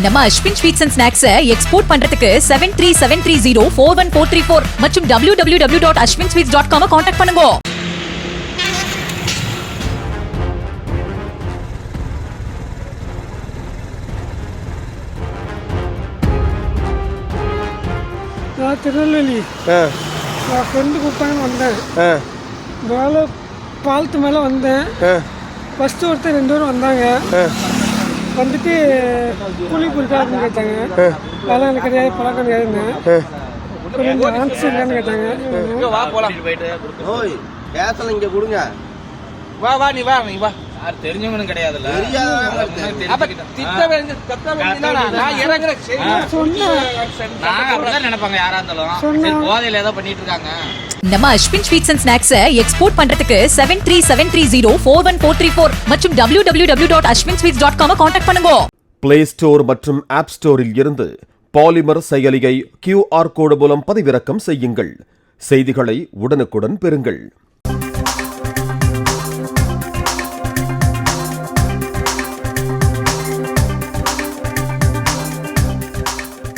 நம்ம Ashwin sweets and snacks export பண்றதுக்கு 7373041434 மற்றும் www.ashwinsweets.com கான்டாக்ட் பண்ணுங்க. நான் திருநெல்வேலி நான் ஃப்ரெண்டு கூப்பிட்டாங்க வந்தேன். மேலே பாலத்து மேலே வந்தேன். ஃபஸ்ட்டு ஒருத்தர் 2 பேரும் வந்தாங்க. வந்துட்டு கூலி கொடுத்தா அப்படின்னு கேட்டாங்க. பழம் கிடையாது பழக்கம் கிடையாதுன்னு கொஞ்சம் ஆன்சர் இல்லைன்னு கேட்டாங்க. இங்கே கொடுங்க. வா நீ வா தெரிஞ்சவனும் கிடையாதுல்ல. நினைப்பாங்க யாரா இருந்தாலும் போதையில ஏதோ பண்ணிட்டு இருக்காங்க. நம்ம Ashwin sweets and snacks export பண்றதுக்கு 7373041434 மற்றும் www.ashwinsweets.com கான்டாக்ட் பண்ணுங்க. பிளே ஸ்டோர் மற்றும் ஆப் ஸ்டோரில் இருந்து பாலிமர் செயலியை QR கோடு மூலம் பதிவிறக்கம் செய்யுங்கள். செய்திகளை உடனுக்குடன் பெறுங்கள்.